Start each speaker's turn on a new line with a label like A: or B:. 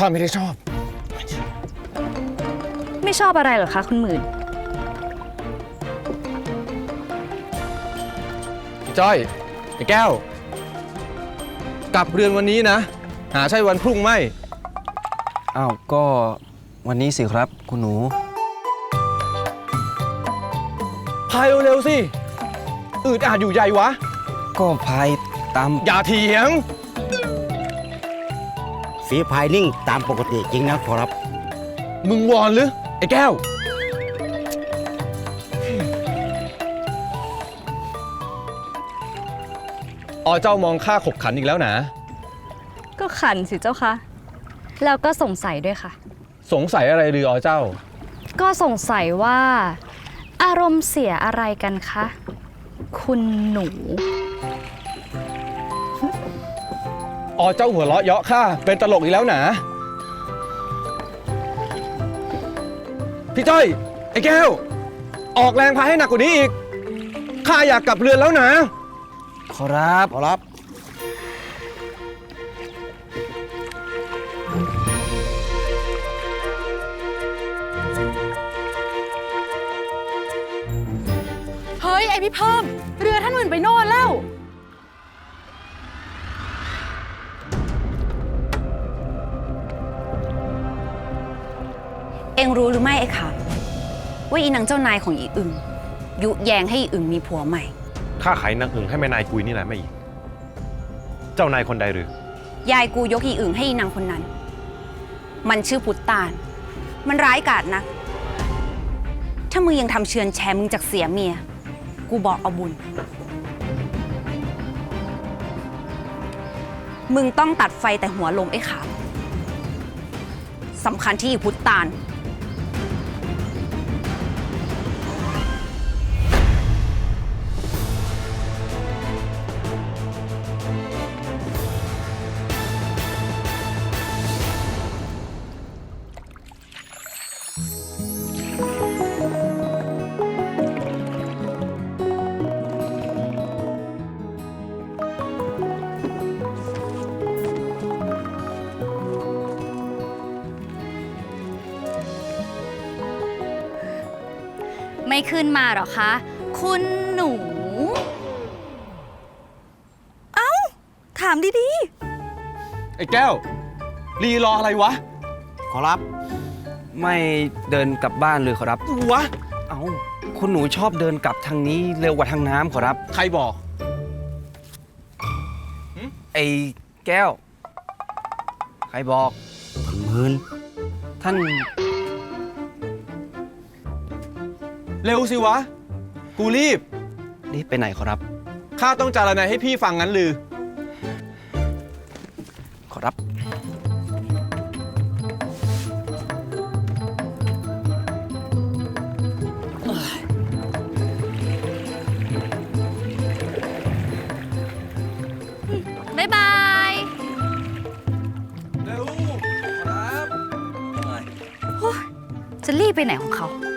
A: ข้าไม่ได้ชอบ
B: ไม่ชอบอะไรเหรอคะคุณหมื่น
A: พี่จ้อยไอ้แก้ว กลับเรือนวันนี้นะ หาใช่วันพรุ่งไม่
C: อ้าวก็วันนี้สิครับคุณหนู
A: พายเร็วๆสิอืดอาดอยู่ใหญ่วะ
C: ก็พายตาม
A: อย่าเถียง
D: ฝีพายนิ่งตามปกติจริงนะขอรับ
A: มึงวอนหรือ ไอ้แก้ว เจ้ามองข้าขบขันอีกแล้วนะ
B: ก็ขันสิเจ้าคะแล้วก็สงสัยด้วยค่ะ
A: สงสัยอะไรหรือเจ้า
B: ก็สงสัยว่า อารมณ์เสียอะไรกันคะ คุณหนู
A: เจ้าหัวเราะเยาะข้าเป็นตลกอีกแล้วนะพี่จ้อย ไอ้แก้ว ออกแรงพายให้หนักกว่านี้อีกข้าอยากกลับเรือนแล้วนะ
C: ขอรับ
D: ขอรับ
E: เฮ้ย ไอพี่เพิ่ม เรือท่านหมื่นไปโน่นแล้ว
F: เอ็งรู้หรือไม่ไอ้ขามว่าอีนางเจ้านายของอีอึ่งยุแยงให้อีอึ่งมีผัวใหม่
G: ข้าขายนางอึ่งให้แม่นายกุยนี่แหละไม่อีก เจ้านายคนใดหรือ
F: ยายกูยกอีอึ่งให้อีนางคนนั้น มันชื่อพุทธตาล มันร้ายกาจนัก ถ้ามึงยังทำเชือนแชร์มึงจากเสียเมีย กูบอกเอาบุญ มึงต้องตัดไฟแต่หัวลมไอ้ขามสำคัญที่อีพุทธตาล
B: ไม่ขึ้นมาหรอคะ คุณหนู
E: ถามดี
A: ไอ้แก้ว รีรออะไรวะ
D: ขอรับ
C: ไม่เดินกลับบ้านเลยขอรับ
A: วะ
C: เอ้าคุณหนูชอบเดินกลับทางนี้เร็วกว่าทางน้ำขอรับ
A: ใครบอก
C: ไอ้แก้ว ใครบอก
D: หมื่น
C: ท่าน
A: เร็วสิวะ กูรีบ
C: รีบไปไหนขอรับ
A: ข้าต้องจารณาให้พี่ฟังงั้นลือ
C: ขอรับ
B: บ๊ายบาย
A: เร็ว ครับ
B: จะรีบไปไหนของเขา